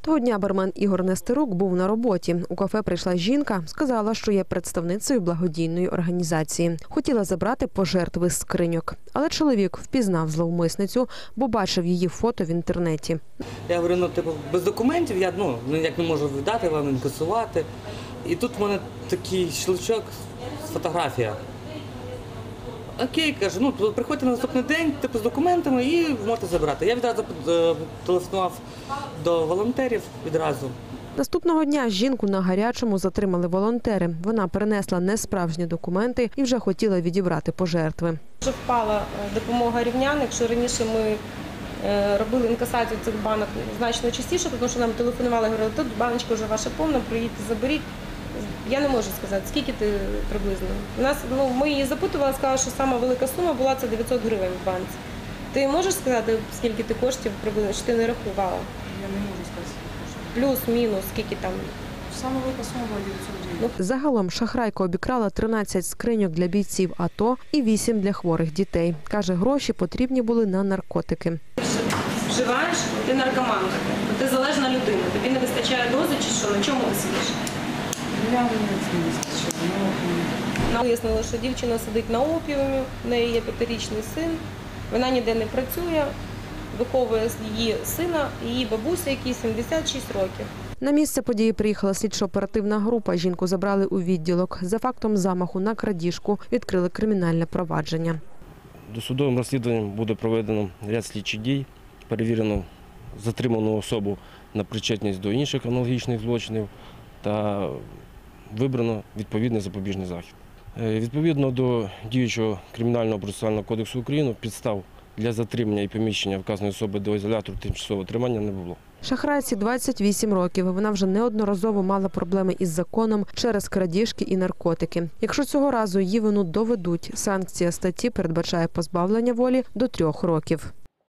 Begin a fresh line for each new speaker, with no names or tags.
Того дня бармен Ігор Нестерук був на роботі. У кафе прийшла жінка, сказала, що є представницею благодійної організації. Хотіла забрати пожертви з скриньок. Але чоловік впізнав зловмисницю, бо бачив її фото в інтернеті.
Я говорю, без документів я ніяк не можу віддати вам, інкасувати. І тут в мене такий щелчок, фотографія. Окей, кажу, приходьте на наступний день, з документами і можете забрати. Я відразу телефонував до волонтерів відразу.
Наступного дня жінку на гарячому затримали волонтери. Вона принесла несправжні документи і вже хотіла відібрати пожертви.
Вже впала допомога рівнян. Якщо раніше ми робили інкасацію цих банок значно частіше, тому що нам телефонували, говорили, тут баночка вже ваша повна, приїдьте, заберіть. Я не можу сказати, скільки ти приблизно. Ми її запитували, сказали, що сама велика сума була це 900 гривень в банці. Ти можеш сказати, скільки ти коштів приблизно, чи ти не рахувала?
Я не можу сказати.
Плюс-мінус, скільки там?
Саме велика сума була 900 гривень.
Загалом шахрайка обікрала 13 скриньок для бійців АТО і 8 для хворих дітей. Каже, гроші потрібні були на наркотики.
Вживаєш, ти наркоманка, ти залежна людина, тобі не вистачає дози чи що, на чому ти сидиш?
Я не вистачила.
Вияснили, що дівчина сидить на опіумі, в неї є 5-річний син, вона ніде не працює, виховує її сина, її бабуся, якій 76 років.
На місце події приїхала слідчо-оперативна група. Жінку забрали у відділок. За фактом замаху на крадіжку відкрили кримінальне провадження.
Досудовим розслідуванням буде проведено ряд слідчих дій, перевірено затриману особу на причетність до інших аналогічних злочинів та вибрано відповідний запобіжний захід. Відповідно до діючого Кримінального процесуального кодексу України підстав для затримання і поміщення вказаної особи до ізолятору тимчасового тримання не було.
Шахрайці 28 років. Вона вже неодноразово мала проблеми із законом через крадіжки і наркотики. Якщо цього разу її вину доведуть, санкція статті передбачає позбавлення волі до 3 років.